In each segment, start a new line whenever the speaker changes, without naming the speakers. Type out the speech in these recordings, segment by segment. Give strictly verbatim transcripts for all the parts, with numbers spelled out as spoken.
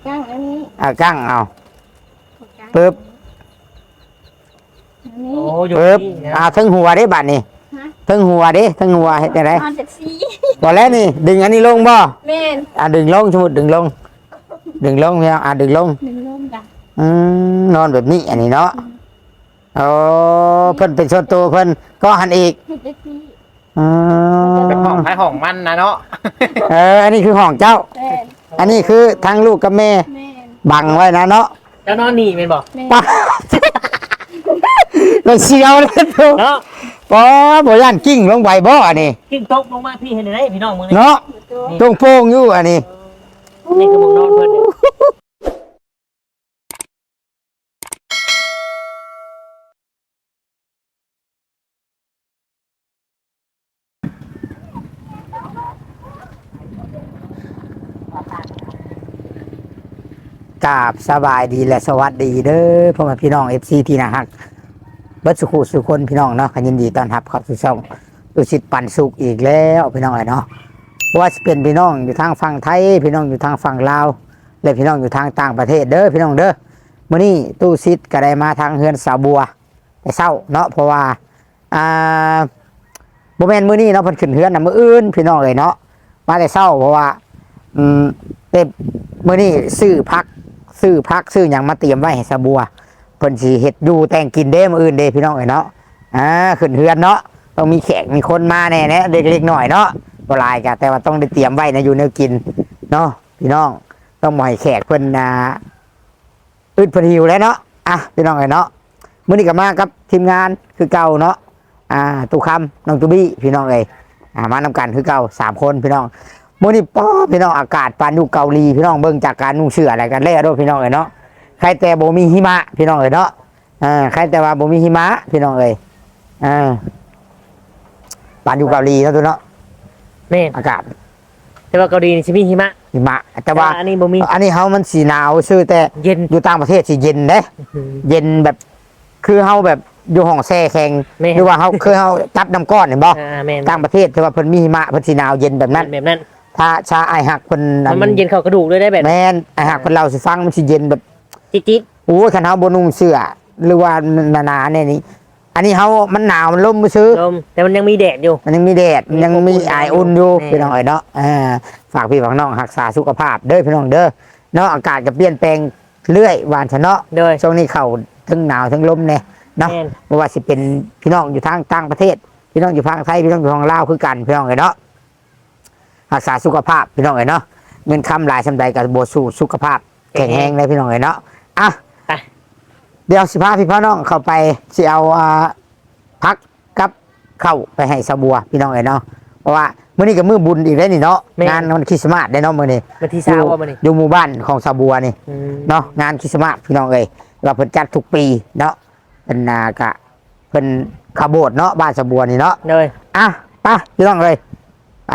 ก้างอันนี้
เอากั้งเอาปึ๊บ
โอ้อยู่
ปึ๊บ
นี่
เอาทั้งหัวได้บัดนี่ทั้งหัวดิทั้งหัวเฮ็ดจังได๋
นอนจากซี
บ่แล้วนี่ดึงอันนี้ลงบ่
แม่น
อ่ะดึงลงสมมุติดึงลงดึงลงพี่น้องอ่ะดึงลง
หนึ่งลมจ้ะ
อืมนอนแบบนี้อันนี้เนาะโอ้เพิ่นเป็นส่วนตัวเพิ่นก็หันอีก
เฮ็ดได้ซี
อืม
เป็นห้องท้ายห้องมันนะเนาะ
เอออันนี้คือห้องเจ้า
แม่น
อันนี้คือทั้งลูกกับแม่
แม่น
บังไว้นะเนาะ
แล้วนอนนี่แม่นบ่
แม่น
ป้าเราเชียวเลยทุก
เนาะ
ป้าบ่ย่านกิ้งลงไปบ่อันนี้
กิ้งตกลงมาพี่เห็นได้พี่น้องมึงนี่
เนาะ
ตัว
ตรงโป่งอยู่อันนี้
นี่คือหมองนอนเพิ่นเนี่ย
กราบสบายดีและสวัสดีเด้อพ่อแม่พี่น้อง เอฟ ซี ที่น่ารักเบิดสุขุสุคนพี่น้องเนาะขยินดีต้อนรับเข้าสู่ช่องตุสิทธิ์ปันสุขอีกแล้วพี่น้องเอ้ยเนาะว่าจะเป็นพี่น้องอยู่ทางฝั่งไทยพี่น้องอยู่ทางฝั่งลาวและพี่น้องอยู่ทางต่างประเทศเด้อพี่น้องเด้อมื้อนี้ตู้ซิดก็ได้มาทางเฮือนสาวบัวแต่เช้าเนาะเพราะว่าอ่าบ่แม่นมื้อนี้เนาะเพิ่นขึ้นเฮือนน่ะมื้ออื่นพี่น้องเอ้ยเนาะมาแต่เช้าเพราะว่าอืมเต็มมื้อนี้ซื้อผักซื้อผักซื้อหยังมาเตรียมไว้ให้สาวบัวเพิ่นสิเฮ็ดอยู่แต่งกินเด้มื้ออื่นเด้พี่น้องเอ้ยเนาะอ่าขึ้นเฮือนเนาะต้องมีแขกมีคนมาแน่ๆเด็กๆหน่อยเนาะบ่หลายก็แต่ว่าต้องได้เตรียมไว้นะอยู่แนวกินเนาะพี่น้องต้องบ่ให้แขกเพิ่นอ่าอึดเพิ่นหิวแล้วเนาะอ่ะพี่น้องเอ้ยเนาะมื้อนี้ก็มากับทีมงานคือเก่าเนาะอ่าตู่คำน้องตูบี้พี่น้องเอ้ยอ่ามานำกันคือเก่าสามคนพี่น้องมื้อนี้ป๊อพี่น้องอากาศปานอยู่เกาหลีพี่น้องเบิ่งจากการนุ่งเสื้ออะไรกันแล้วเด้อพี่น้องเอ้ยเนาะใครแต่บ่มีหิมะพี่น้องเอ้ยเนาะอ่าใครแต่ว่าบ่มีหิมะพี่น้องเอ้ยอ่าปานอยู่เกาหลีเนาะตัวเนาะ
แม่น
อากาศ
แต่ว่าเกาหลีนี่สิมีหิมะ
หิมะแต่ว่า
อันนี้บ่มี
อันนี้เฮามันสีหนาวซื่อแต่
เย็น
อยู่ต่างประเทศสิเย็นเด้เย็นแบบคือเฮาแบบอยู่ห้องแช่แข็ง
แม่น
หรือว่าเฮาคือเฮาจับน้ำก้อนเห็นบ่
อ่าแม่น
ต่างประเทศแต่ว่าเพิ่นมีหิมะเพิ่นสิหนาวเย็นแบบนั้น
แบบนั้น
ถ้าชาไอหักเพิ่น
มันมันเย็นเข้ากระดูกเลยได้แบบ
แม่นไอหักเพิ่นเล่าสิฟังมันสิเย็นแบบ
จิ๊ด
โอ้ยคันเฮาบ่นุ่งเสื้อหรือว่าหนาๆเนี่ยนี่อันนี้เฮามันหนาวมันลมซื่อ
ๆลมแต่มันยังมีแดดอยู่
มันยังมีแดดมันยังมีไออุ่นอยู่
แน่
พี่น้องเอ้ยเนาะอ่าฝากพี่ฝากน้องรักษาสุขภาพเด้อพี่น้องเด้อเนาะอากาศก็เปลี่ยนแปลงเรื่อยหวานชะเนาะ
โดย
ช่วงนี้เข้าทั้งหนาวทั้งลมเนี่ยเนาะ
แม่น
ไม่ว่าสิเป็นพี่น้องอยู่ทางต่างประเทศ พี่น้องอยู่ทางไทยพี่น้องอยู่ทางลาวคือกันพี่น้องเอ้ยเนาะรักษาสุขภาพพี่น้องเอ้ยเนาะเงินคำหลายสำใดกับโบสู่สุขภาพแข็งแรงเลยพี่น้องเอ้ยเนาะอ่ะ
ไป
เดี๋ยวสิพาพี่พ่อน้องเข้าไปสิเอาอ่าพักกับเข้าไปให้สะบัวพี่น้องเอ้ยเนาะเพราะว่ามื้อนี้ก็มื้อบุญอีกแล้วนี่เนาะ
แม่น
งานวันคริสต์มาสได้เนาะมื้อนี้
วันที่เช้าว่ามื้อนี้
อยู่หมู่บ้านของสะบัวนี่
อืม
เนาะงานคริสต์มาสพี่น้องเอ้ยเราเพิ่นจัดทุกปีเนาะเป็นนากะเพิ่นขบวนเนาะบ้านสะบัวนี่เนาะ
โดย
อ่ะไปพี่น้องเอ้ยไป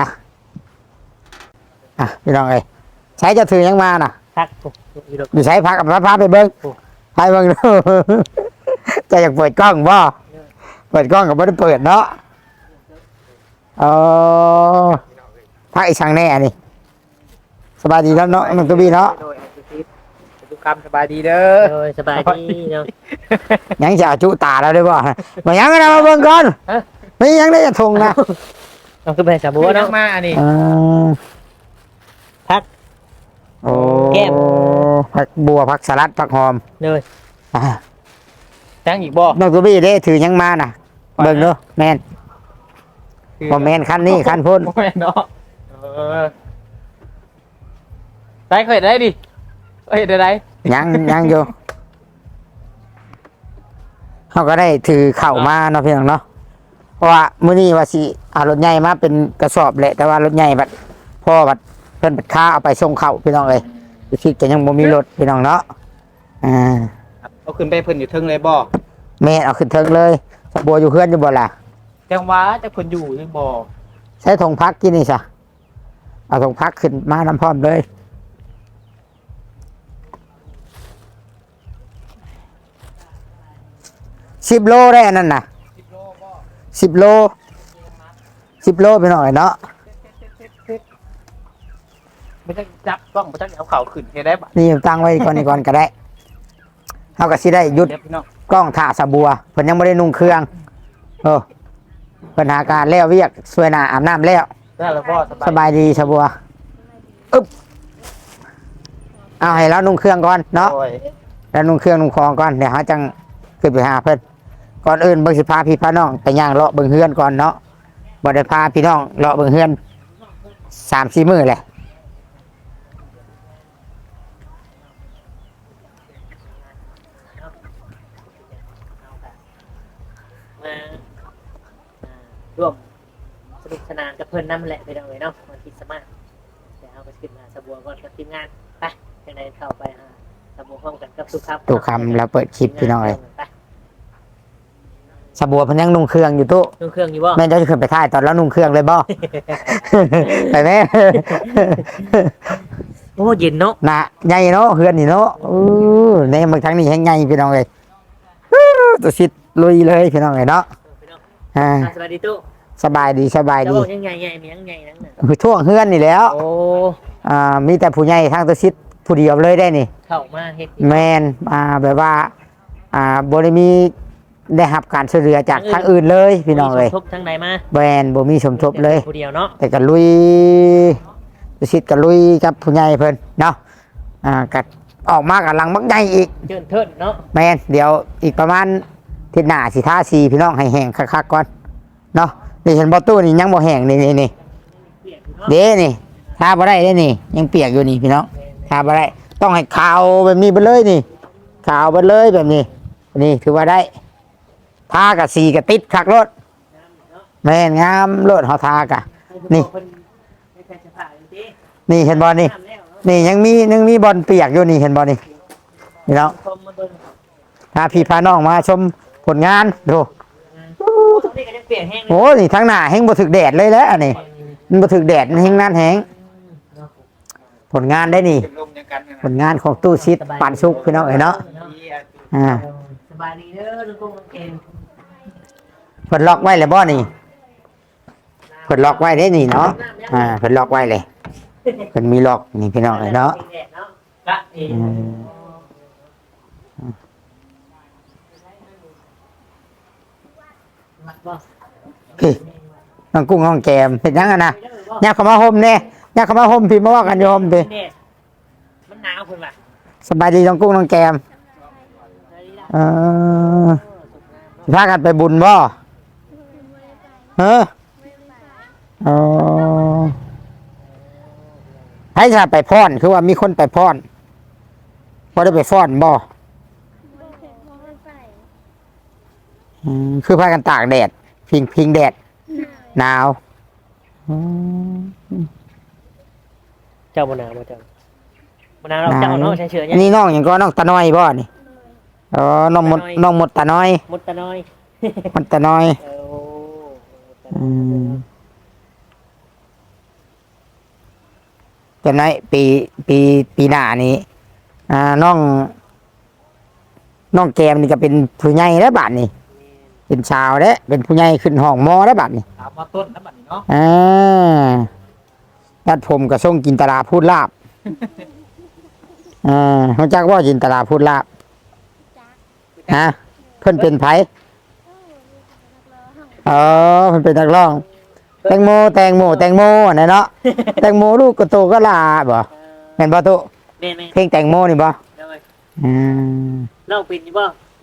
อ่ะพี่น้องเอ้ยใช้จะถือยังมาน่ะ
พักอยู่ดอก
อยู่ใช้พักกับพาไปเบิ้ง
โอ้
ไปเบิ้ง ดู จะอยากเปิดกล้องบ่เปิดกล้องกับไม่ได้เปิดเนาะเออพักอีกช่างแน่นี่สบายดีแล้วเนาะน้องตัวบีเนาะ
โดยทุกคำสบายดีเด้อ
โดยสบายดีเนาะ
ยังจะเอาจุตาแล้วได้บ่มายังกันนะมาเบิ่งก่อน
ฮะ
ไม่ยังได้จะทงนะ
เอาขึ้นไปสาบัว
นั
เนาะ
กมาอันนี้
อ่า
พัก
โอ้
แก้ม
ผักบัวผักสลัดผักหอม
โดย
อ่า
จังอีกบ่
น้องตัวบี้ได้ถือยังมาน่ะเบิ่งเนาะแมนบ่แมนคันนี้คันพุ่น
บ่แม่นเนาะเออได้เคยได้ดิเอ้ยได้ได้
ยังยังอยู่เขาก็ได้ถือเข่ามาเนาะพี่น้องเนาะเพราะว่ามื้อนี้ว่าสิเอารถใหญ่มาเป็นกระสอบแหละแต่ว่ารถใหญ่บัดพ่อบัดเพิ่นบัดค้าเอาไปส่งเข้าพี่น้องเอ้ยคิดก็ยังบ่มีรถพี่น้องเนาะอ่า
เอาขึ้นไปเพิ่นอยู่เทึงเลยบ่
แม่เอาขึ้นเทิงเลยสะบัวอยู่เพื่อนอยู่บ่ล่ะ
จังหว่าจะเพิ่นอยู่หรือบ่
ใช้ธงพักกินนี่ซะเอาธงพักขึ้นมาน้ำพร้อมเลยสิบโลได้อันนั้นน่ะสิบโลสิบโลไปหน่อยเนาะ
ไม่ต้องจับกล้องไม่ต้องเอาเข่าขึ้นเฮ็ดได้บ่
นี่ตั้งไว้ก่อนนี่ก่อนก็ได้เฮาก็สิได้หยุด
เดี๋ยวพี่น้อง
กล้องถ่าสะบัวเพิ่นยังบ่ได้นุ่งเครื่องเออเพิ่นหาการแล้วเวียกสวยหน้าอาบน้ำแล้ว
ได้แล้วพ่อ
สบายดีสะบัวอึ๊บเอาให้แล้วนุ่งเครื่องก่อนเนาะ
โอ้ย
แล้วนุ่งเครื่องนุ่งคองก่อนเดี๋ยวเฮาจังขึ้นไปหาเพิ่นก่อนอื่นเบิ่งสิพาพี่พาน้องไปย่างเลาะเบิ่งเฮือนก่อนเนาะบ่ได้พาพี่น้องเลาะเบิ่งเฮือนสามสี่มื้อแหละ
มาร่วมสนุกสนานกับเพื่อนนั่นแหละไปเอาเลยเนาะวันที่สมัครเดี๋ยวเอาไปขึ้นมาสบัวก่อนกับทีมงานไปยังไงเข้าไปหาสบัวพร้อมกันกับทุกครับ
ตุกคำแล้วเปิดคลิปพี่น้องเลย
ไป
สะบัวเพิ่นยังนุ่งเครื่องอยู่ตู้
ดูเครื่องอยู่บ่
แม่นจะขึ้นไปถ่ายตอนแล้วนุ่งเครื่องเลยบ่ ไปแม่
โอ้เย็นเนาะ
น่ะใหญ่เนาะเฮือนนี่เนาะอู้ในบางครั้งนี่แฮงใหญ่พี่น้องเลยอู้ตัวชิดลุยเลยพี่น้องเลยเนาะ
พี่น้อง
อ่า
อ่ะสวัสดีตู้
สบายดีสบาย
จะ
ดี
บอกยังไงไงมียังไงนั่นน่ะ
คือช่วงเฮือนนี่แหล้ว
โอ้
อ่ามีแต่ผู้ใหญ่ทางตัวชิดผู้เดียวเลยได้นี่
เข้ามาเฮ็ด
แมนอ่าแบบว่า อ่าบ่ได้มีได้รับการช่วยเหลือจากทางอื่นเลยพี่น้องเลย
ทุบทั้งใดมา
แบรนด์บ่มีสมทบเลย
ผู้เดียวเนาะ
แต่ก็ลุยตัวชิดก็ลุยกับผู้ใหญ่เพิ่นเนาะอ่าก็ออกมากับหลังบักใหญ่อีก
เจินเทิดเนาะ
แมนเดี๋ยวอีกประมาณอาทิศหน้าสิท่าสีพี่น้องให้แห้งคักๆก่อนเนาะนี่เห็นบอตู้นี่ยังบ่แห้งนี่นี่นี่
เปียกอยู่เนาะ
เด้นี่ทาบ่ได้เด้นี่ ยังเปียกอยู่นี่พี่น้องทาบ่ได้ต้องให้ขาวแบบนี้ไปเลยนี่ขาวไปเลยแบบนี้ นี่ถือว่าได้ทากับสีกับติดคักรถแม่นงามรถเฮาทากะ นี่
เพิ่นให้แฟนจะผ่าอยู่ติ
นี่เห็นบ่นี่
น้ำแล้วเนาะ
นี่ยังมียังมีบอลเปียกอยู่นี่เห็นบ่นี่พี่น้อง
ชมมาเบิ่ง
พาพี่พาน้องมาชมผลงานดู
โอ้ตรงนี้ก็ยังเปียกแห้งเลย
โอ้นี่ทั้งหน้าแห้งบ่ถึกแดดเลยแล้วอันนี้มันบ่ถึกแดดมันแห้งนั่นแห้ง
เนาะ
ผลงานได้นี่
เป็นลมยังกันนะ
ผลงานของตู้ชิดปันสุกพี่น้องเอ้ยเนาะอ่า
สบายดีเด้อลุงกุ้งลุงเกณฑ์
เพิ่นล็อกไว้แล้วบ่นี่เพิ่นล็อกไว้ได้นี่เนาะอ่าเพิ่นล็อกไว้เลยเพิ่นมีล็อกนี่พี่น้องเอ้ยเนาะ
กะเอง
อืม
มัดบ่
พี่น้องกุ้งน้องแกมเฮ็ดหยังอ่ะนะยักเข้ามาห่มแน่ยักเข้ามาห่มพี่มาว่ากันอยู่ห่มพี่
เนี่ยมันหนาวคุณล่ะ
สบายดีน้องกุ้งน้องแกมเออสิพากันไปบุญบ่เออเออให้จะไปพรคือว่ามีคนไปพรบ่ได้ไปฟ้อนบ่อืมคือพากันตากแดด พิงพิงแดด หนาวอืม
เจ้าบ่หนาวบ่เจ้าบ่หนาวเราเจ้าเนาะใช้เชือเนี่ย
นี่น้องอย่างก็น้องตาน้อยบ่นี่อ๋อน้องหมดน้องหมดตาน้อย
มุดตะน้อย
หมดตาน้อย
เออ
อืมจำได้ปีปีปีหน้านี้อ่าน้อง น้องแกมนี่ก็เป็นผู้ใหญ่แล้วบาดนี่เป็นชาวแล้วเป็นผู้ใหญ่ขึ้นห้องมอแล้วบาดนี่
ถามมาต้นน้ำบัดนี้เนาะ
อ่าตัดผมกับส่งกินตลาพูดลาบ อ่าเขาจักว่าจินตลาพูดลาบฮะเพิ่นเป็นไผเออเพิ่นเป็นนักร้อง แตงโมแตงโมแตงโมน่ะเนาะ แตงโมลูกกระโตก็ลาบ่แม่นบ่ตุ
แม่แม่
เพลงแตงโมนี่บ่
เด้อ
อืม
น้องเป็นอยู่บ่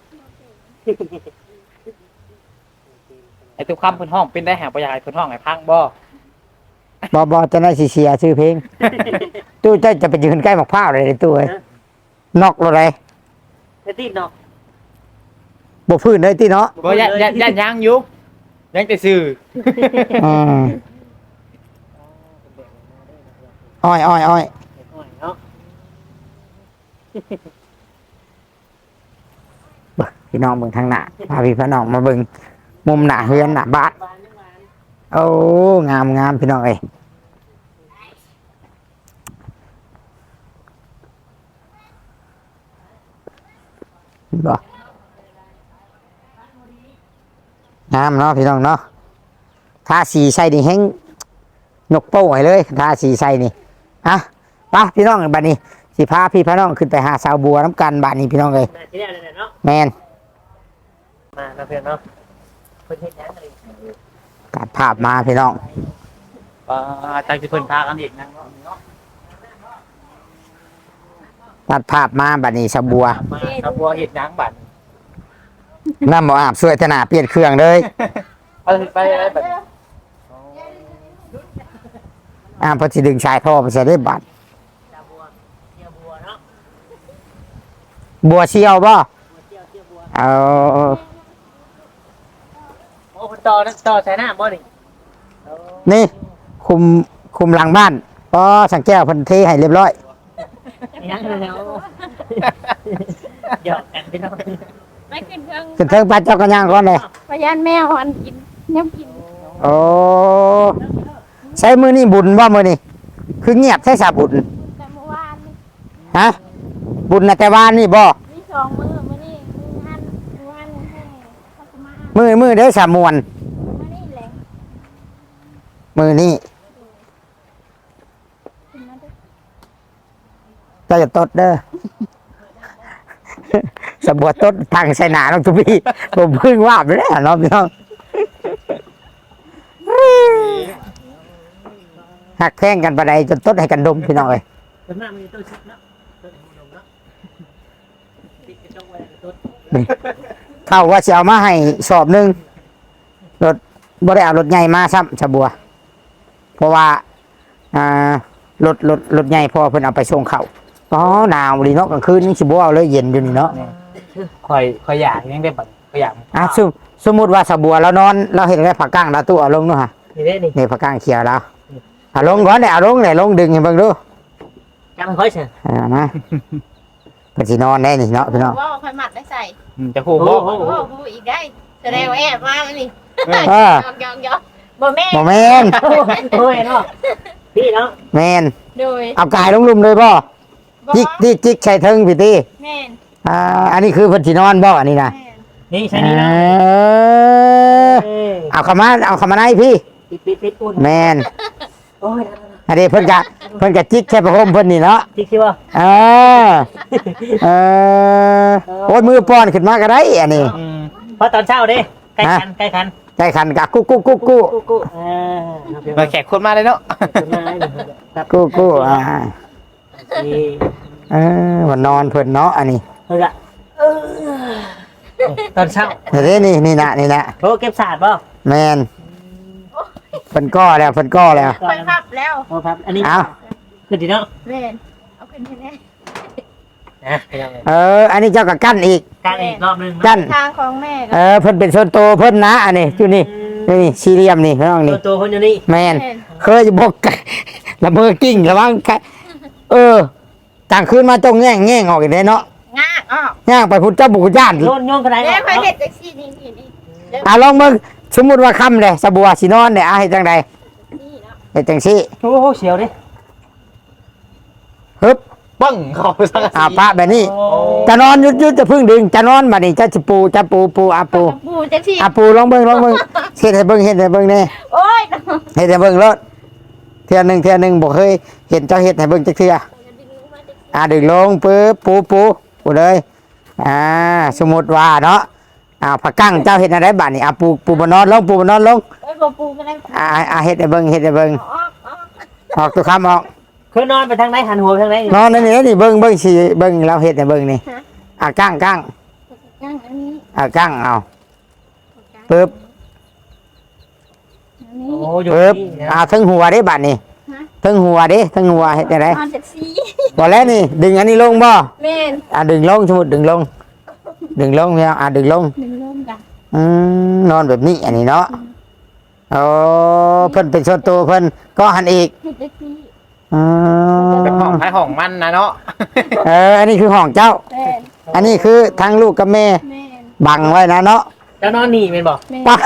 ไอ้ตัวคำเพื้นห้องเป็นได้หาประหยัดเพื้นห้องไอ้พังบ่
บ่บ่จะได้สิเสียชื่อเพลง ตู้เจ้าจะไปยืนใกล้หมอกพร้าวเลยในตู้เอ้ยนอกเลย
เฮ็ดติเนาะ
บ่พื้นเลยติเนาะ
บ่ยันยันยันยังอยู่ยังแต่ซื้อ
อืมอ้อยอ้อยอ้อย
เนาะ
พี่น้องเบิ่งทางหน้าพาพี่พี่น้องมาเบิ่งมุมหน้าเฮือนหน้าบ้านโอ้งามงามพี่น้องเอ้ยบ่งามเนาะพี่น้องเนาะทาสีใส่นี่แห้งนกโป้งให้เลยทาสีใส่นี่อ่ะไปพี่น้องบัดนี้สิพาพี่พาน้องขึ้นไปหาสาวบัวน้ำกันบัดนี้พี่น้องเลย
มาที่แล้วเลยเนาะ
แมน
มาเราเพื่อนเนาะเพื่อนเฮ็ดยังอะไร
ตัดภาพมาพี่น้อง
อ่าจังสิเพิ่นพากันอีกนะเนาะ
ตัดภาพมาบัดนี้สาวบัว
มาสะบัวเฮ็ดหยังบัด
น้ำบ่อาบสวยธนาเปลี่ยนเครื่องเลย
ไปไปอะไรบัด
อ่าเพอสิดึงชายท่อไปใส่ได้บัด
ชาบัวเที่ยวบัวเนาะ
บัวเชียวบ่
บัวเที่ยวเที่ยวบัว
เอา
โอ้คนต่อนะต่อใช้หน้าบ่นี่
นี่คุมคุมหลังบ้านก็สังแก้วเพันเทให้เรียบร้อย
ยังเลยเนาะหยอกกันพี่น้อง
ไม่ขึ้นเครื่อง
ขึ้นเทิงปัดเจ้ากันย่างก่อนเลย
พยานแมวอันกินน้ำกิน
โอ้ใช้มือนี่บุญว่ามือนี่คือเงียบใช้สาบุญ
แต่เมื่อวานนี่
ฮะบุญนะแต่ว่านนี่บ่
มีสองมือมื่อนี่มือหันมือหันให้พัสมา
มือมือได้สามมวน
มื่อนี่แหละ
มือนี่
ขึ้นมาด้วย
เจ้าจะตดเด้อ สมบัติตดทางใส่หนาน้องทุพี่ผมเพึ่งว่าไปแล้วเนาะพี่น้องหักแข้งกันประใดจนตดให้กันดมพี่น้องเลย
ส่วนมากมันจะต้นชิดเนาะต้นหูดงเนาะติดกระจกไว้ต้น
เข้าว่าจะเอามาให้สอบหนึ่งรถบ่ได้เอารถใหญ่มาซ้ำชะบัว เพราะว่าอ่ารถรถรถใหญ่พอเพิ่นเอาไปส่งเขาอ๋อหนาวดีเนาะกลางคืนนี่สิบ่เอาเลยเย็นอยู่นี่เนาะ
ข่อยข่อยอยากยังได้บัดข่อยอยาก
อ่ะสมสมมุติว่าสะบัวเรานอนเราเห็นได้ผักก้างเราตู้เอาลงเนาะฮะ
นี่เด้นี่
นี่ผักก้างเขียวแล้วเอาลงก่อนเนี่ยเอาลงเนี่ยลงดึงให้เบิ่งดู
จำค่อยเถอะ
อ่ามาเพิ่นสินอนได้นี่เนาะพี่น้อง
ว่าคอยหมัดได้ใส่
อืมจะคู่บ่
โอ้โหดูอีกได้แสดงว่าแอบมาแล้วนี่
เออย
องยองยองบ่แม่
บ่แม่น
โอ้ยเนาะพี่เนาะ
แม่น
โดย
เอากายลงลุมเลยบ่
บ่
จิกจิกจิกใส่เทิงพี่ติ
แม่น
อ่าอันนี้คือเพิ่นสินอนบ่อันนี้นะ
แม่น
นี่ใช่นี่นะ
เออเอาเข้ามาเอาเข้ามาในพี่
ปิดปิดปิดอุ่น
แมน
โอ้ย
อันนี้เพิ่นกะเพิ่นกะจิกแค่ประโคมเพิ่นนี่เนาะ
จิกสิว่า
เออเออโอ้ยมือป้อนขึ้นมาก็ได้อันนี้
อืม
เพราะตอนเช้าเด้ใกล้คันใกล้คัน
ใจขันกะกุ๊กกุ๊กกุ๊กกุ๊ก
กูกูอ่า
มาแขกคนมาเลยเนาะ
ครับ
กุ๊กกุ๊กอ่า
นี่
เออวันนอนเพิ่นเนาะอันนี้
เฮ้ยอะตอนเช้า
เดี๋ยวนี้นี่นี่นะนี่นะ
โอ้เก็บศาสตร์ป่ะ
แมนเพิ่นก้อแล้วเพิ่นก้อแล้ว
คอยพับแล้ว
โอ้ครับอันนี้
เอา
ขึ้นดีเนาะ
แม่นเอาขึ้นให้แน่
นะไปยังไง
เออ อันนี้เจ้าก็กั้นอีก
การอีกรอบหนึง
กั้น
ทางของแม่ก็
เออเพิ่นเป็นโซนโตเพิ่นนะอันนี้อยู่นี่นี่สี่เหลี่ยมนี่พี่น้อง
ตั
นี่
วตัวคนอยู่นี่
แมน
แม่น
เคยบอกกันละเมอกิ้งระวังไกเออต่างคืนมาจงแง่งแง่งออกอีกได้เนาะ
งากอ้อ
ย่างไปพุทธเจ้าบุกย่าน
โยนโยนกระได
แม่
ออก
คอย
เนาะ
เห็ดจักซี่นี่นี่นี่เริ่ม
อ่ะลองมึงสมมุติว่าค่ำเลยสบัวสินอนเนี่ยอ่ะเฮ็ดจังใด
นี่เนาะ
เฮ็ดจังซี่
โอ้โหเสียวดิ
ฮึบ
ปังเข้าสังกะ
อ่า
สี
พระแบบนี้
โอ้
จะนอนยุดยุดจะพึ่งดึงจะนอนบัดนี้จะสิปูจะปูปูอ่ะปู
ปูจักซี่
อ่ะปูลองเบิ่งลองเบิ่งเฮ็ดให้เบิ่งเฮ็ดให้เบิ่งแน่
โอ้ย
เฮ็ดให้เบิ่งรถเทื่อหนึงเทื่อหนึงบ่เคยเห็นเจ้าเฮ็ดให้เบิ่งจักเทื่ออ่ะดึงลงปึ๊บปูปูปูเลยอ่าสมมุติว่าเนาะอ่าผักกั้งเจ้าเฮ็ดอะไรบัดนี้อ่ะปูปูบ่นอนลงปูบ่นอนลง
โอ้ยบ่ปูก็ได้
อ่าอ่าเฮ็ดให้เบิ่งเฮ็ดให้เบิ่ง
ออกออก
ออกตัวคำออก
เคยนอนไปทางไหนหันหัวไปทางไหน
นอนนั่นนี่นี่เบิ่งเบิ่งสิเบิ่งเราเฮ็ดให้เบิ่งนี่อ่ะกั้งกั้ง
ย่างอันนี้
อ่ะกั้งเอาปึ๊บ
อันนี้
โอ้อยู่
ปึ๊บ
นี่
อ่า
นะ
ทั้งหัวเด้บัดนี้ทั้งหัวเด้ทั้งหัวเฮ็ดจังได
นอนจักซี่
บ่แล้วนี่ ดึงอันนี้ลงบ่
แม่น
อ่ะดึงลงสมมุติดึงลง ดึงลงเนี่ยอ่ะดึงลง
หนึ่งร่มกัน
อืมนอนแบบนี้อันนี้เนาะโอ้เพิ่นเป็นส่วนตัวเพิ่นก็หันอีก
เฮ็ดจักซี่
อืม
เป็นห้องท้ายห้องมันนะเนาะ
เอออันนี้คือห้องเจ้า
แม่น
อันนี้คือทั้งลูกกับแม่
แม่น
บังไว้นะเนาะ
จะนอนหนีเป็นบอก
แม่น
ปะ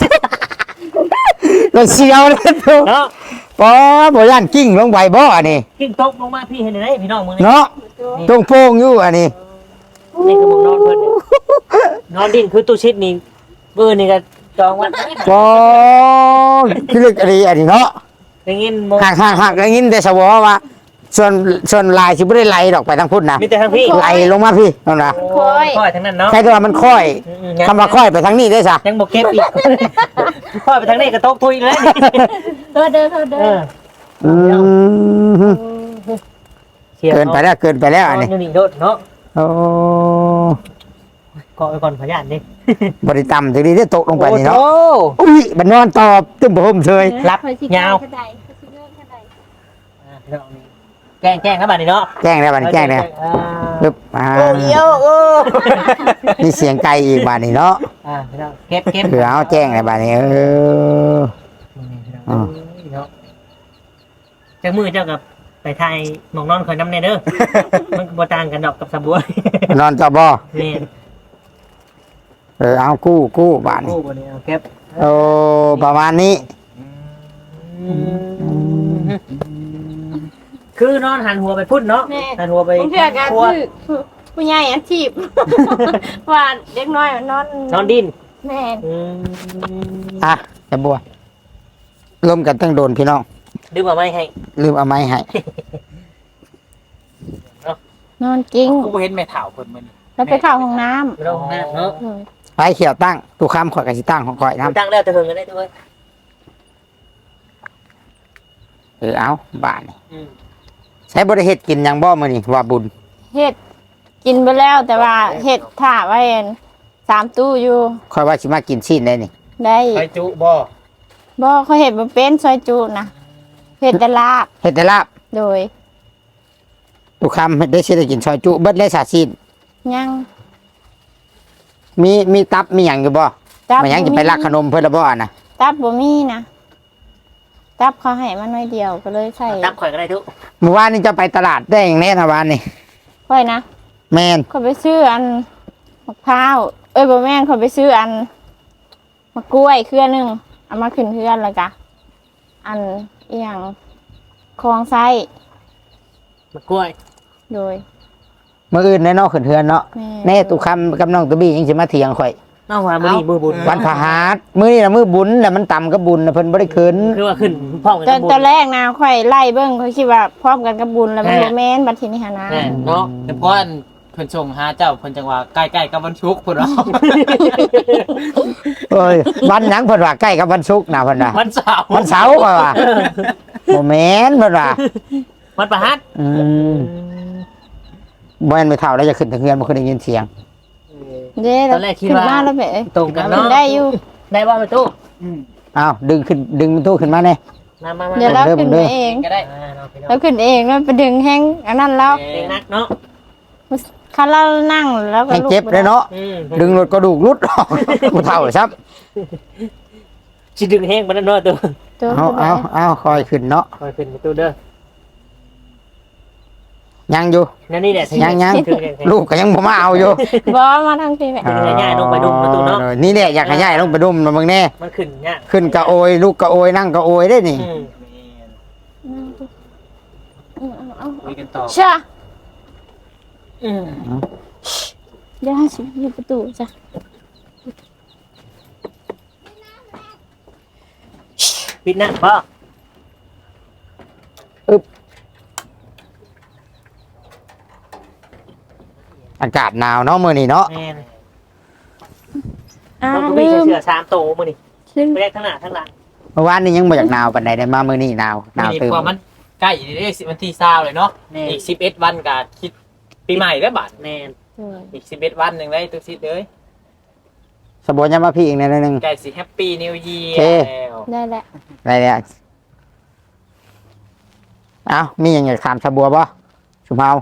เราเสียวเลยทุก
เนาะ
ปอบ่ย่านกิ้งลงไปบ่อันนี้
กิ้งตกลงมาพี่เห็นไหมพี่น้องมึงนี่
เนาะตรงโป่งอยู่อันนี้
นี่คือมึงนอนเพิ่นเนี่ยนอนดินคือตู้ชิดนี่เบอร์นี่ก็จองไวัน
ปอคือลึกอันนี้อันนี้เนาะ
อย่างงี้โม
ห่างห่างห่างอย่างนี้แต่สวอว่าส่วนส่วนลายสิบ่ได้ไหลดอกไปทางพุ่นนะ
มีแต่ทางพี่
ไหลลงมาพี่นั่นนะ
โอ้ค่อยทั้งนั้นเนาะ
ใช่ตัวมันค่อย
อืม
คำว่าค่อยไปทางนี้ได้ซะ
ยังบ่เก็บอีกค่อยไปทางนี้ก็ตกทุยแล้วนี่
เธอเด้อเธอเด้
เอ
อ
อ
อืม
เสีย
เกินไปแล้วเกินไปแล้วอันนี้
นี่นี่โดดเนาะ
โอ้
เกาะไว้ก่อนพยานดิ
บริต่ำถึงนี้ได้ตกลงไปนี่เนาะ
โอ้
อุ้ยมันนอนตอบตึ้มผมเฉย
รับ
คอยสิ
ยาว
กระไดคอยสิเลื่อนกระได
อ่ะเดี๋ยวเอานี่แกล้งแกล้งนะบัดนี้เนาะ
แจ้งแล้วบัดนี้แจ้งแล้ว
อ่า
ปึ๊บอ่า
โอ้เดียวโอ้
มีเสียงไก่อีกบัดนี้เนาะ
อ่าพี่น้องเก็บเก็บ
เผื่อเอาแจ้งแล้วบัดนี้เออ
อ่าเนาะเจ้ามือเจ้ากับไปไทยหมองนอนคอยน้ำเนเด้อ มันก็บ่ต่างกันดอกกับสะบัวน
อนต่อบ่
นี่
เออเอากู้กู้บาดนี้
กู้บ่นี้เอาเก็บ
โอ้ประมาณนี้
คือนอนหันหัวไปพุ่นเนาะ
แม่
หันหัวไป
ผมเชื่อกัน
ครัว
คือผู้ใหญ่อาชีพ ว่าเด็กน้อยมันนอน
นอนดิน
แม่
อืม
อ่ะจะบัวร่วมกันตั้งโดนพี่น้อง
ดึงมาไม่ให้
ลืมเอาไม้ให้
นอนจริง
กูบ่เห็นแม่เฒ่าเพิ่นมื้อนี้
แล้วไปเข้าห้องน้
ไม่ต้องห้องน้ำเนาะ
ำเลย
ไปเขียวตั้งตุกคำข่อยกับสิตั้งของข่อยน้
ตั้งแล้วจะเพิ่งกันได้ด้วย
ำเออเอาบาดนี้
อืม
ใช้บริเฮ็ดกินหยังบ่มื้อนี้ว่าบุญ
เห็ดกินไปแล้วแต่ว่าเห็ดถ่าไว้อันสามตู้อยู่
ข่อยว่าสิมากินชิ้นได้นี่
ได้
ไปจุบ่
บ่เขาเห็ดมาเป็นซอยจูนะเห็ดแต่ลาบ
เฮ็ดแต่ลาบ
โดย
ตุกคำได้สิได้กินซอยจุเบิดเลยสาชิ้น
ยัง
มีมีตับมีหยังอยู่บ่
ตับ
มันยังจะไปลักขนมเพิ่นละบ่อะนะ
ตับบ่มีนะตับเขาให้มาน้อยเดียวก็เลยใส่
ตั้งข่อยก็ได้ทุก
เมื่อวานนี้จะไปตลาดได้อย่างแน่นะวานนี่
ค่อยนะ
แม่น
เขาไปซื้ออันมะพร้าวเอ้ยบ่แม่นเขาไปซื้ออันมะกล้วยเครือหนึงเอามาขึ้นเพื่อนแล้วกะอันอีหยังคลองไส้
มะกล้วย
โดย
มื้ออื่นแน่เนอนขึ้นเทือนเนาะ
แม่
แน่ตุกคำกับน้องตุบี้ยังสิมาเถียงข่อย
น้องว่ามือนี้มือบุญ
วันพฤหัสมื้อนี้น่ะมื้อบุญน่ะมันต่ำกับบุญน่ะเพิ่นบ่ได้ขึ้น
คือว่าขึ้นพร้อมกัน
ตอ
กัน บบุญ
ตอนแรกนะค่อยไล่เบิ้งเขาคิดว่าพร้อมกันกับบุญแล้วมัน
แม่
โมแมนบัดทีนี้หานะ
แม่
เนาะแต่เพราะอันเพิ่นส่งหาเจ้าเพิ่นจังว่าใกล้ๆกับวันศุกร์พุ่นเนาะ
เอ้ยวันหยังเพิ่นว่าใกล้กับวันศุกร์น่ะเพิ่นว่า
วันเสาร์
วันเสาร์เพิ่นว่าบ่แม่นเพิ่นว่า
วัดประหัต
อืมบ่แม่นไม่เท่าแล้วจะขึ้นทางเฮือนบ่เคยได้ยินเสียง
เด้
ตอนแรกคิด
ขึ้น
ว่า
มาแล้วเบ๋
ตรงกัน
ขึ้
เนาะ
นได้อยู่
ได้ว่าไปตู้
อืม
อ้าวดึงขึ้นดึงมันตู้ขึ้นมาแน่
มามามา
เดี๋ยวเรา
เด้อ
ขึ้น
เด้
ไป
อ
เอง
ก็ได้
อ่าเนาะพี่น้อง
เราขึ้นเองแล้วไปดึงแห้งอันนั้นแล้ว
เองนักเนาะ
คันเรานั่งแล้วก็
ให้
ลุก
เจ็บเลยเนาะ
อืม
ดึงรถกระดูกรุดออกบ่เท่าซับ
สิดึงแห้งมาแล้วเนาะตู้
ตัว
เอาเอาเอาคอยขึ้นเนาะ
คอยขึ้นไปตู้เด้อ
ยังอยู่
นั่นนี่แหละ
ยังยัง
ถึงแห้ง
ลูกก็ยังบ่มาเอาอยู่
บอมาทางพี่แม่
ดึงง่ายๆลงไปดุมประตูเนาะ
ออนี่แหละอยากให้ย้ายลงไปดุมนะมึงแน่
มันขึ้นยาก
ขึ้นกะโอยลูกกะโอยนั่งกะโอยได้นี่
อืม
เอาเอาเอา
คุยกันต่อ
ชะ
อืม
เดี๋ยวให้สิอยู่ประตูจ้ะ
ปิดหน้าพ่อ
อากาศหนาวเนาะมื้อนี้เนาะ
แม่น
อ่า
เราก็
ลื
มี
ม
เสื้อสามโตมื้อนี่
ลืม
ไปแรกทั้งหน้าทั้งหลัง
เมื่อวานนี้ยังบ่อยากหนาวปานใดได้มามื้อนี้หนาวหนาว
นี่
ตื่น
กว่ามันใกล้ได้สิบวันที่เศร้าเลยเนาะ
แม่น
อีกสิบเอ็ดวันก็คิดปีใหม่แล้วบัด
แม่น
เออ
อีกสิบเอ็ดวันหนึงได้ตุกซิดเลย
สบวนยังมาพี่อีกหนิดนึง
ใกล้สิแฮปปี้นิวเยีย
โอเค
ร์แล้ว
ได้แหละ
ได้แล้วเอ้ามีหยังอยากถามสบัวบ่สุภาพ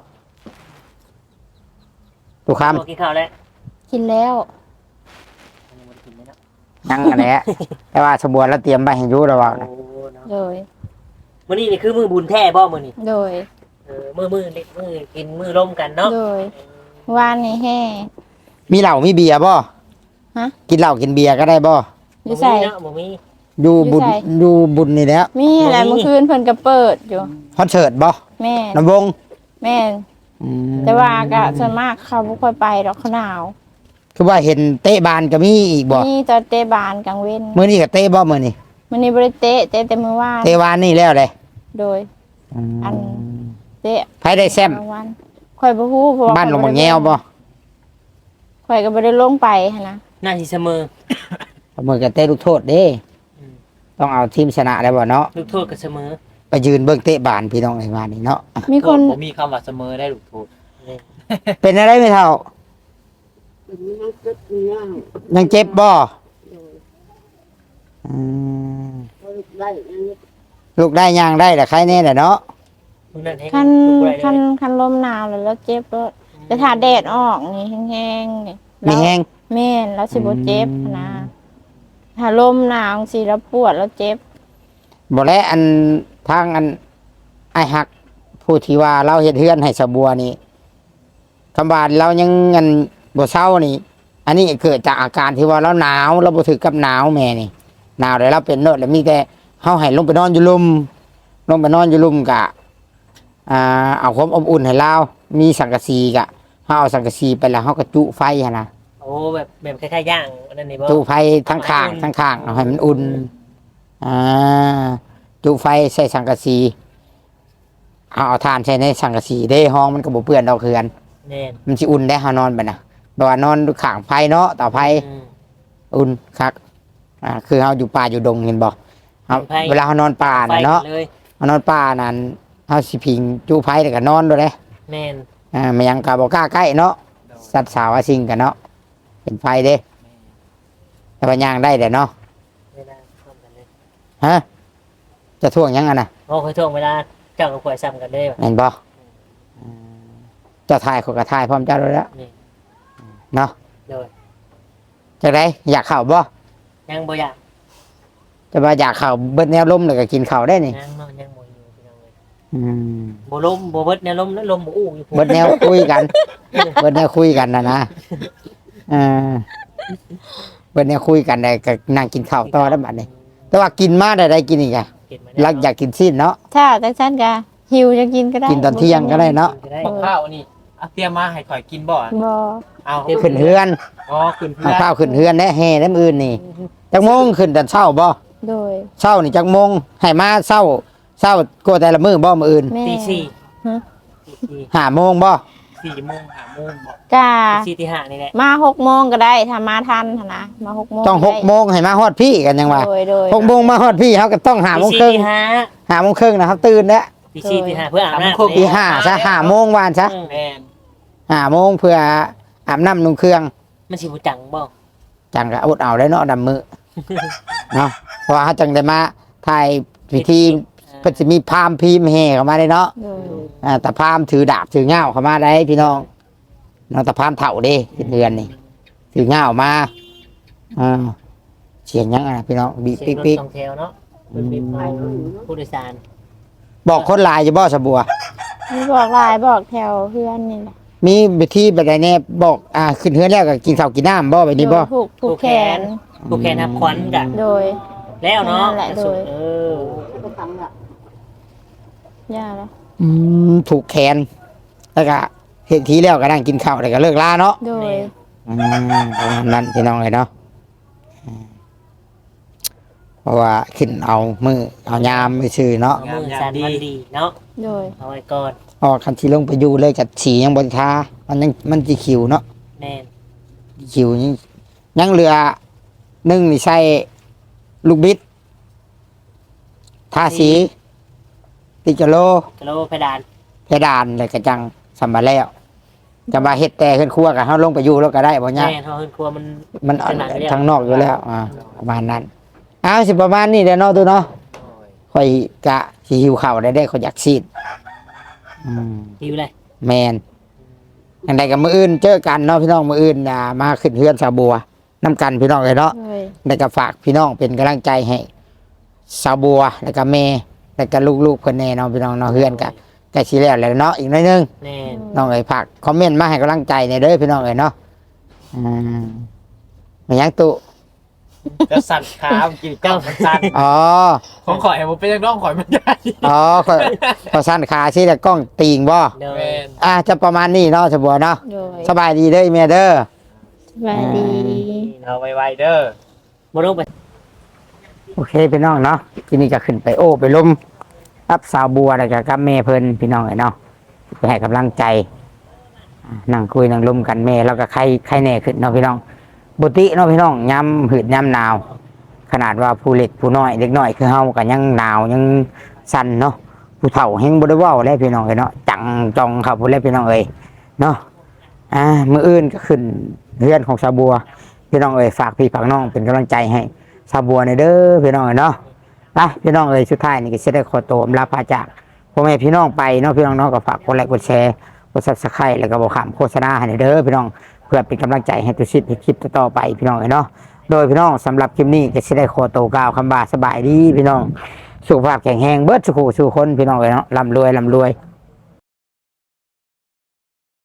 ตุกคำ
โตกินข้าวแล้ว
กินแล้ว
ยังอันแหละแต่ว่าสบัวแล้วเตรียมไปให้อยู่แล้วว่า
โอ้เนาะ
โดย
มื้อนี้นี่คือมื้อบุญแท้บ่มื้อนี้
โดย
เออมื้อมื้อนี่มื้อกินมื้อร่มกันเนาะ
โดย วานนี่แห่
มีเหล้ามีเบียร์บ่
ฮะ
กินเหล้ากินเบียร์ก็ได้บ่
อยู่ใส่
เนาะบ่มี
อยู่บุญ
อยู่ไส
อยู่บุญนี่แหล้ว
มีอะไร
บ่มี
เมื่อคืนเพิ่นก็เปิดอยู่
คอนเสิร์ตบ่
แม่
ลำวง
แม่น
อืม
แต่ว่าก็ส่วนมากเขาบ่ค่อยไปดอกเขาหนาว
คือว่าเห็นเตะบานก็มีอีกบ่
นี่ตอนเตะบานกลางเว้น
มื้อนี้ก็เตะบ่มื้อนี้
มันนี่บ่ได้เตะเตะแต่มื้อวาน
เตะวานนี่แล้วเลย
โดย อันเตะ
ไผได้แซม
รางวัลข่อยบ่ฮู้เพราะว่า
บ้านลงมาแงวบ่
ข่อยก็บ่ได้ลงไปหันนะ
หน้าที่เสมอ
มือกับเตะลูกโทษเด้
อืม
ต้องเอาทีมชนะได้บ่เนาะ
ลูกโทษก็เสมอ
ไปยืนเบิ่งเตะบานพี่น้องไอ้บ้านนี่เนาะ
มีคน
ผมมีคำว่าเสมอได้ลูกโทษ
นี่
เป็นอะไรไม่เท่า ยังเจ็บบ่อืมลูกได้ย่างได้แต่ใครแน่แหละเนาะ
มึงนั่นให้
คัน
ลูกบ่ได้
คัน
เลย
คันลมหนาวแล้วแล้วเจ็บแล้วแต่ถ้าแดดออกนี่แห้งๆนี่
มีแห้ง
แม่นแล้วสิบ่เจ็บหั้นนะถ้าลมหนาวสิแล้วปวดแล้วเจ็บ
บ่และอันทางอันไอ้หักผู้ที่ว่าเราเฮ็ดเฮือนให้สะบัวนี่คำว่าเรายังเงินบ่เศร้านี่ อันนี้เกิดจากอาการที่ว่าเราหนาวเราบ่ถึกกับหนาวแม่นี่หนาวแล้วเราเป็นโนดแล้วมีแต่เฮาให้ลงไปนอนอยู่ลุมลงไปนอนอยู่ลุมกะอ่าเอาความอบอุ่นให้เรามีสังกะสีกะเฮาเอาสังกะสีไปแล้วเฮาก็จุไฟหั่นนะ
โอ้แบบแบบคล้ายๆย่างอันนั้นนี่บ่
จุไฟทั้งข้างทั้งข้างเอาให้มันอุ่นอ่าจุไฟใส่สังกะสีเอาเอาถ่านใส่ในสังกะสีเด้ห้องมันก็บ่เปื้อนดอกเคือน
แน่น
มันสิอุ่นได้เฮานอนไปนะแบบว่านอนข้างไฟเนาะเต่าไฟ
อืม
อุ่นคักอ่าคือเฮาอยู่ป่าอยู่ดงเห็นบ่เฮา
ไฟ
เวลาเฮานอนป่า
ไฟ
น่ะเนาะ
เลย
เฮานอนป่านั่นเฮาสิพิงจูไฟแล้วก็นอนด้วยเด้
แม่น
อ่ามันยังก็บ่กล้าใกล้เนาะสัตว์สาวอาสิงกันเนาะเป็นไฟเด้แต่ว่าย่างได้แหละเนาะ
เวลาพร้อมกันเลย
ฮะจะท่วงยังอ่ะน่ะ
โอ้เคยท่วงเวลาเจ้ากับข่อยซ้ำกันเลยว่ะ
เห็นบ่อืมเจ้าถ่ายเขาก็ถ่ายพร้อมเจ้าด้วยแล้ว
นี่
เนาะ
โดย
จังไดอยากเข้าบ่
ยังบ่อยาก
จะว่าอยากเข้าเบิดแนวลมแล้วก็กินข้าวได้นี่
ยังเนาะยังบ่อยู่พี่น้องเอ้ย
อืม
บ่ลมบ่เบิดแนวลมแล้วลมบ่อู้อยู่พุ่น
เบิดแนวคุยกัน เบิดแนวคุยกันนะนะเออเบิดแนวคุยกันได้ก็นั่งกินข้าวต่อแล้วบัดนี้ แต่ว่ากินมาได้ได้กินอีกอะ
เห็นไหม
รักอยากกินสิ้นเนาะ
ถ้าจังซั่นก็หิวจะกินก็ได้
กินตอนเที่ยงก็ได้เนาะ
ได้
บักข้าวนี่เอาเตรียมมาให้ข่อยกินบ่
บ่
เอา
ขึ้นเฮือน
อ๋อขึ้นเพื่
เอา
อน
ข้าวขึ้นเฮือนแน่แห่น้ำอื่นนี่จักโมงขึ้นแต่เช้าบ่
โดย
เช้านี่จักโมงให้มาเช้าเช้าก็แต่ละมื้อบ่มื้ออื่น
แม่
ตีสี่
ฮะ
ตีสี่
ห้าโมงบ่
สี่โมงห้าโมงบ่
กะ
ตีสี่ตีห้านี่แหละ
มาหกโมงก็ได้ถ้ามาทันหั้นนะมาหกโมง
ต้องหกโมงให้มาฮอดพี่กันยังว่า
โดยโดย
หกโมงมาฮอดพี่เฮาก็ต้องห้าโม
ตี
ง
สี่
ครึ่ง
ตีห้า
ห้าโมงครึ่งนะครับตื่นแล้ว
ตีสี่ตีห้าเพื่ออาบน้ำ
ตี
นี่
ห้าซะห้าโมงวานซะ
อืม
แม่น
ห้าโมงเพื่ออาบน้ำนุ่งเครื่อง
มันสิบ่จังบ่
จังก็อดเอาได้เนาะดำมือ เนาะเพราะว่าเขาจังได้มาถ่ายพิธีเพิ่นสิมีพราหมณ์พิมพ์แห่เข้ามาได้เนาะ
โดย
อ่าแต่พราหมณ์ถือดาบถือเงาเข้ามาได้พี่น้องเนาะแต่พราหมณ์เฒ่าเด้เดือนนี่ถือเงามาอ่าเสียงยังไงพี่น้องบี
เสีย
ปิ๊
ง
ก
รถ
ปิ๊ก
สองแถวเนาะเป็นบีบไฟผู้โดยสาร
บอกคนหลายจะบ่สะบัว
มีบอกหลายบอกแถวเพื่อนนี่แหละ
มีไปที่แบบใดแน่บอกอ่าขึ้นเฮือนแล้วก็กินข้าวกินน้ำบ่ไปนี่บ่
โดยผูกผูกแขน
ผู้แขนทับขวัญกะ
โดย
แล้วเนาะ
นั่นแหละโดย
เออ
ย่าแล้ว
อืมถูกแขนแล้วก็เห็นทีแล้วก็นั่งกินข้าวแล้วก็เลิกลาเนาะ
โดย
อืมประมาณนั้นพี่น้องเลยเนาะอืมเพราะว่าขึ้นเอามือเอายามไปซื้อเนาะ
เอามือสันมันดีเนาะ
โดย
เอาไว้ก่อน
ออกคันที่ลงไปอยู่เลยกับฉียังบนทามันยังมันจีขิวเนาะ
แน่น
ขิวยังยังเหลือนึ่งนี่ใส่ลูกบิดทาสี ติกะโล
กะโลเพดาน
เพดานเลยกระจังสัมบาแล้วจะมาเฮ็ดแต่ขึ้นครัวกับเฮาลงไปอยู่แล้วก็ได้บ่เนี่ย
แน่นเฮาเฮือนครัวมัน
มัน
ขนาดนี้แล้ว
ทางนอกอยู่แล้วอ่าประมาณนั้นเอาสิประมาณนี้เด้อเนาะตัวเนาะ
โอ้ย
ข่อยกะสิหิวข้าวได้ได้ข่อยอยากซีดอืม
หิวเลย
แมนอย่างใดกับมืออื่นเจอกันเนาะพี่น้องมืออื่นอ่ามาขึ้นเฮือนสาวบัวน้ำกันพี่น้องเลยเนาะ
โดย
แล้วก็ฝากพี่น้องเป็นกำลังใจให้สาวบัวแล้วก็แม่แล้วก็ลูกๆเพิ่นแน่เนาะพี่น้องเนาะเฮือนกะใกล้สิแล้วแหล้วเนาะอีกหน่อยหนึง
แน่น
น้องเอ้ยฝากคอมเมนต์มาให้กำลังใจในเด้อพี่น้องเอ้ยเนาะอืมมันยังตุ
จะสั่นขาเมื่อกินเจ้ามันสั่น
อ๋อ
ของข่อยมันเป็นยังน้องข่อยมันใหญ่
อ๋อขอขอสั้นขาสิแต่กล้องตีงบ่
เดิน
แม่น
อ่ะจะประมาณนี้เนาะสาวบัวเนาะ
โดย
สบายดีเด้อแม่เด้อ
สบายดี
เอาไวๆเด้อ
บ่ต้องไป
โอเคพี่น้องเนาะทีนี้ก็ขึ้นไปโอ้ไปล้มรับสาวบัวแล้วก็กับแม่เพิ่นพี่น้องไอ้เนาะไปให้กำลังใจอ่านั่งคุยนั่งลมกันแม่แล้วก็ใครใครแน่ขึ้นเนาะพี่น้องบุติเนาะพี่น้องย้ำหืดย้ำหนาว ขนาดว่าผู้เล็กผู้น้อยเด็กน้อยคือเฮากันยังหนาวยังสั่นเนาะผู้เฒ่าแฮงบ่ได้เว้าแล้วพี่น้องเอ้ยเนาะจังจองครับพุ่นแล้วพี่น้องเอ้ยเนาะอ่ามื้ออื่นก็ขึ้นเรือนของสาวบัวพี่น้องเอ้ยฝากพี่ฝากน้องเป็นกำลังใจให้สาวบัวในอยเด้อพี่น้องเอ้ยเนาะไปพี่น้องเอ้ยสุดท้ายนี่ก็สิได้ขอตัวอำลาพาจากพ่อแม่พี่น้องไปเนาะพี่น้องเนาะก็ฝากกดไลค์กดแชร์กด Subscribe แล้วก็บ่ข้ามโฆษณาให้เด้อพี่น้องเพื่อเป็นกำลังใจให้ตุชิดในคลิปต่อๆไปพี่น้องเอ้ยเนาะ โดยพี่น้องสำหรับคลิปนี้จะได้โคโตวกล่าวคำบาสบายดีพี่น้องสุขภาพแข็งแรงเบิดสุขสู่คนพี่น้องเลยเนาะร่ำรวยร่ำรวย